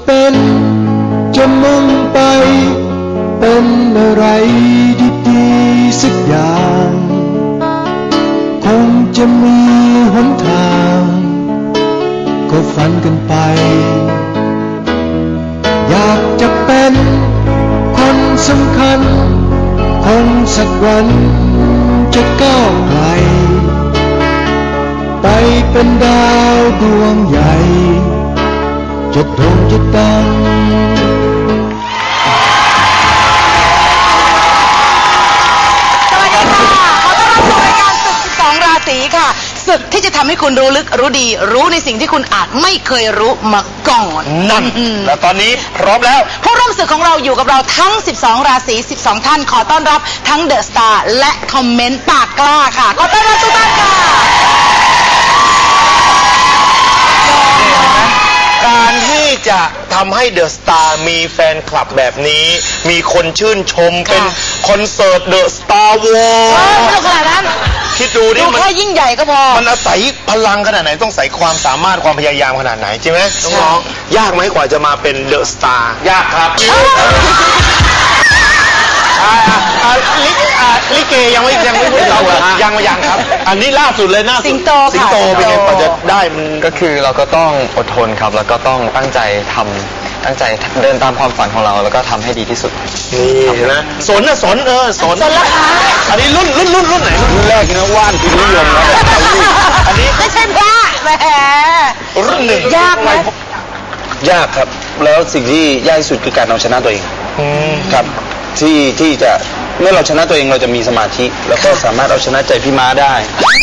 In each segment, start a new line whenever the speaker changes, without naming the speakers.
เป็นจะมุ่งไปเป็นอะไรดีๆสักอย่างคงจะมีหนทางก็ฝันกันไปอยากจะเป็นคนสำคัญคงสักวันจะก้าวไกลไปเป็นดาวดวงใหญ่จะโด่งจะดัง
ค่ะศึกที่จะทำให้คุณรู้ลึกรู้ดีรู้ในสิ่งที่คุณอาจไม่เคยรู้มาก่อน
นั่นแล้วตอนนี้พร้อมแล้ว
ผู้ร่วมศึกของเราอยู่กับเราทั้ง12ราศี12ท่านขอต้อนรับทั้งเดอะสตาร์และคอมเมนต์ปากกล้าค่ะขอต้อนรับทุกท่านค่ะ
การที่จะทำให้เดอะสตาร์มีแฟนคลับแบบนี้มีคนชื่นชมเป็นคอนเสิร์ตเดอะสตาร์วอร์
ไม่ขนาดนั้น
คิดดูดิ
มันแค่ยิ่งใหญ่ก็พอ
มันอาศัยพลังขนาดไหนต้องใส่ความสามารถความพยายามขนาดไหนใช่ไหมน้องๆยากไหมกว่าจะมาเป็นเดอะสตาร์ยากครับลิเกยังไม่พูดเรายังครับอันนี้ล่าสุดเลยนะ
สิงโต
เป็นไงกว่าจะได้มัน
ก็คือเราก็ต้องอดทนครับแล้วก็ต้องตั้งใจเดินตามความฝันของเราแล้วก็ทำให้ดีที่สุด
นี่นะสนราคาอันนี้รุ่นไหน
รุ่นแรกนะว่านพิมพ์นิยมนะ
อันนี้
ไม่ใช่พระแหม
รุ่นหนึ่ง
ยากไหม
ยากครับแล้วสิ่งที่ยากที่สุดคือการเอาชนะตัวเองครับที่จะเมื่อเราชนะตัวเองเราจะมีสมาธิแล้วก็สามารถเอาชนะใจพี่ม้าได้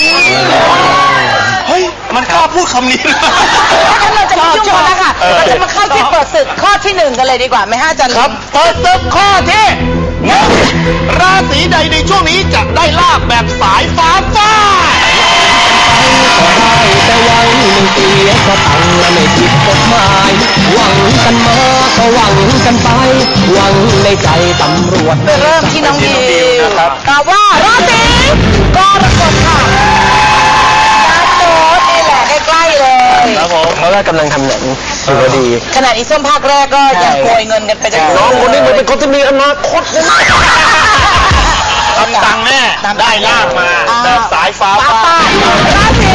เฮ้ยมันกล้าพูดคำนี้
ถ้าเราจะไม่ยุ่งกันนะคะเราจะมาเข้าที่เปิดศึกข้อที่1กันเลยดีกว่าไหมฮะอาจารย์
ครับเปิดศึกข้อที่ราศีใดในช่วงนี้จะได้ลาภแบบสายฟ้าฟาด
แต่หวังไม่เสียก็ตังและไม่ผิดกฎหมายหวังกันมาก็หวังกันไปหวังในใจตำรวจ
เริ่มที่น้องดิวนะครับตอบว่าราศีกรกฎค่ะโน้ตนี่แหละใกล้ๆเลย
ครับผมเพราะว่ากำลังทำหนังอยู่พอดี
ขนาดอีส้มภาคแรกก็ยังโกยเงินกันไปได้
น้องคนนี้เหมือนเป็นคนที่มีอนาคตนะทำตังแน่ได้ลาบมาแบบสายฟ้าฟาด
ราศี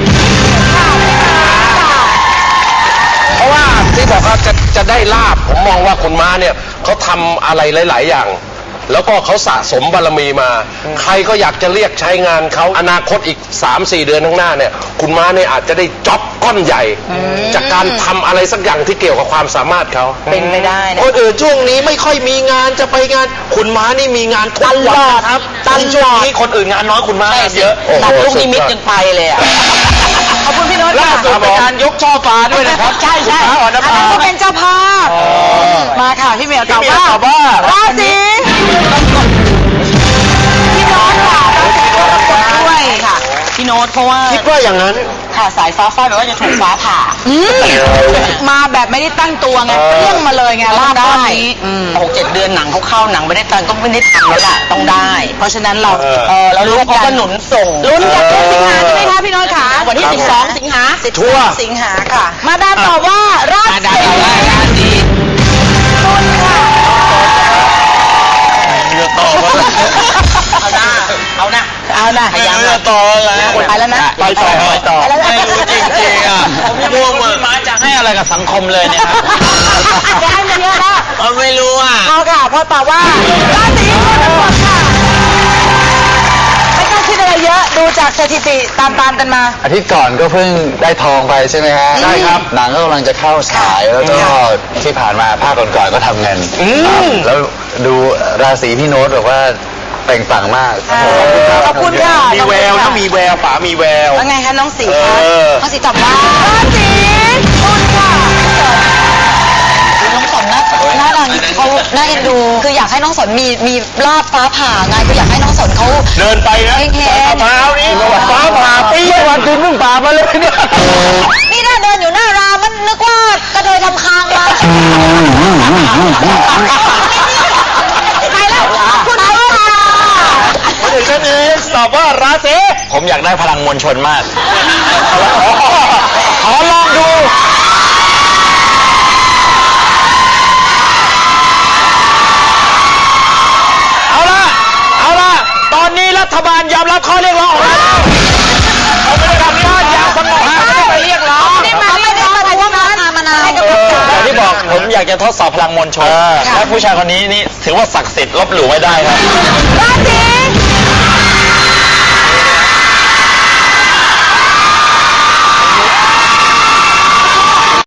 เพราะว่าที่บอกว่าจะได้ลาบผมมองว่าคุณม้าเนี่ยเขาทำอะไรหลายๆอย่างแล้วก็เขาสะสมบารมีมาใครก็อยากจะเรียกใช้งานเขาอนาคตอีก 3-4 เดือนข้างหน้าเนี่ยคุณม้าเนี่ยอาจจะได้จ็อบก้อนใหญ่จากการทำอะไรสักอย่างที่เกี่ยวกับความสามารถเขา
เป็นไม่ได้นะ
คนอื่นช่วงนี้ไม่ค่อยมีงานจะไปงานคุณม้านี่มีงานทุกวันครับช่วงนี้คนอื่นงานน้อยคุณม้าเยอะ
ตัดลูกนิมิตจนไปเลยอ่ะขอบคุณพี่โน้ต
ล่าสุดเป็นการยกช่อฟ้าด้วยนะครับ
ใช่อันนั้นก็เป็นเจ้าภาพมาค่ะพี่เมียวตอบว่าราศีพี่โน้ตค่ะด้วยค่ะพี่โน้ตเพราะว่า
คิดว่าอย่างนั้น
ค่ะสายฟ้าฟาดแบบว่าจะถูกฟ้าผ่ามาแบบไม่ได้ตั้งตัวไงเรื่องมาเลยไงลาบได้6-7 เดือนหนังเขาเข้าหนังไม่ได้ตั้งก็ไม่ได้ทำแล้วล่ะต้องได้เพราะฉะนั้นเรารู้เขาก็หนุนส่งลุ้นกันเดือนสิงหาใช่ไหมคะพี่โน้ตค่ะวันที่12 สิงหาสิงหาค่ะมาดามตอบว่าราศีตุลค่ะเอานะ
ยังต่อแล้ว
ไปแล้วนะ
ไปต่อ
ไม่รู้จริงๆอ่ะม่วงพี่ม้าจะให้อะไรกับสังคมเลยเนี่ย
จะให้มันเยอะนะ
ไม่รู้อ่ะ
พอค่ะพอตอบว่าราศีกรกฎค่ะไม่ต้องคิดอะไรเยอะดูจากสถิติตามกันมา
อาทิตย์ก่อนก็เพิ่งได้ทองไปใช่ไหมฮะ
ใช่ครับ
หนังก็กำลังจะเข้าฉายแล้วก็ที่ผ่านมาภาคก่อนๆก็ทำเงินแล้วดูราศีพี่โน้ตแบบว่าเปล่งปลั่งมาก
ขอบคุณค่ะ
มีแววนะมีแววป๋ามีแวว
แล้วไงคะน้องสีคะน้องสีตอบว่าราศีตุลค่ะน้องสนนะน่ารักเขาน่าเอ็นดูคืออยากให้น้องสนมีลาบฟ้าผ่าไงคืออยากให้น้องสนเขา
เดินไปนะมะพร้าวนี่ฟ้าผ่าปีวันคุณเพิ่งผ่ามาเลยเนี่ย
นี่น่าเดินอยู่หน้ารามมันนึกว่ากระเทยทำคางมาไปแล้วคุณเอา
ถึงนั้นเองตอบว่าราศี
ผมอยากได้พลังมวลชนมาก
ขอลองดู
รับข้อเรียกร้องของเราเราไม่ได้ทำบ้านอย่างสงบไม่ได้ไปเรียกร้อง
ไม่ได้มาเพราะว่ามานานให้กำลังใจ
อย่างที่บอกผมอยากจะทดสอบพลังมวลชนและผู้ชายคนนี้นี่ถือว่าศักดิ์สิทธิ์ลบหลู่ไม่ได้ครับ
ราศี